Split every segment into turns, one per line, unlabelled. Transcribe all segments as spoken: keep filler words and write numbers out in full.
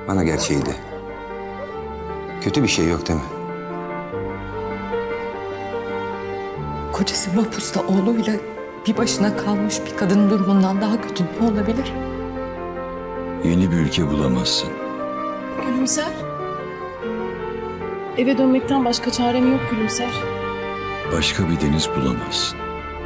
Bana gerçeği de. Kötü bir şey yok değil mi?
Kocası mahpusta oğluyla bir başına kalmış bir kadının durumundan daha kötü ne olabilir?
Yeni bir ülke bulamazsın.
Gülümser. Eve dönmekten başka çarem yok Gülümser.
Başka bir deniz bulamazsın.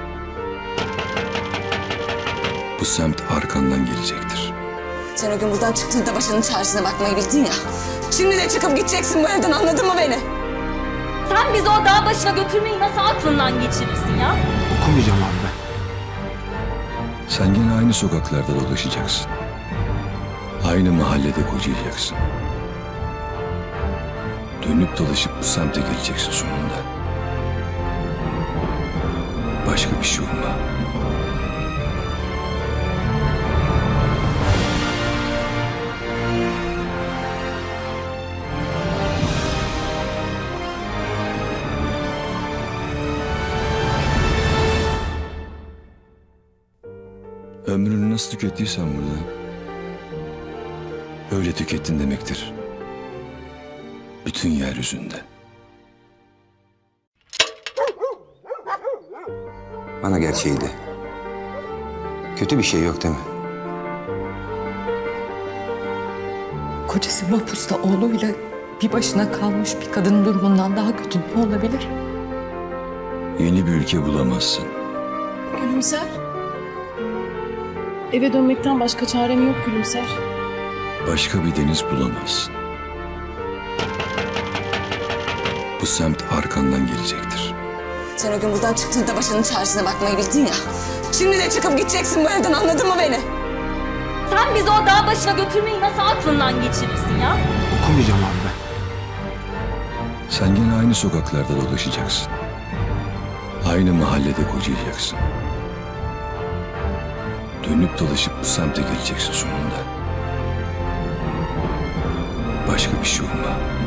Bu semt arkandan gelecektir.
Sen o gün buradan çıktığında başının çaresine bakmayı bildin ya. Şimdi de çıkıp gideceksin bu evden, anladın mı beni?
Sen bizi o dağ başına götürmeyi nasıl aklından geçirirsin ya?
Okumayacağım abi ben.
Sen gene aynı sokaklarda dolaşacaksın. Aynı mahallede kocayacaksın. Dönüp dolaşıp bu semte geleceksin sonunda. Başka bir şey olma. Ömrünü nasıl tükettiysen burada, öyle tükettin demektir. Bütün yeryüzünde.
Bana gerçeği de. Kötü bir şey yok değil mi?
Kocası mahpusta oğluyla bir başına kalmış bir kadının durumundan daha kötü ne olabilir?
Yeni bir ülke bulamazsın.
Gülümser. Eve dönmekten başka çarem yok Gülümser.
Başka bir deniz bulamazsın. Bu semt arkandan gelecektir.
Sen o gün buradan çıktığında başının çaresine bakmayı bildin ya. Şimdi de çıkıp gideceksin bu evden, anladın mı beni?
Sen bizi o dağ başına götürmeyi nasıl aklından geçirirsin ya?
Okumayacağım abi ben.
Sen gene aynı sokaklarda dolaşacaksın. Aynı mahallede kocayacaksın. Dönüp dolaşıp bu semte geleceksin sonunda. Başka bir şey olma.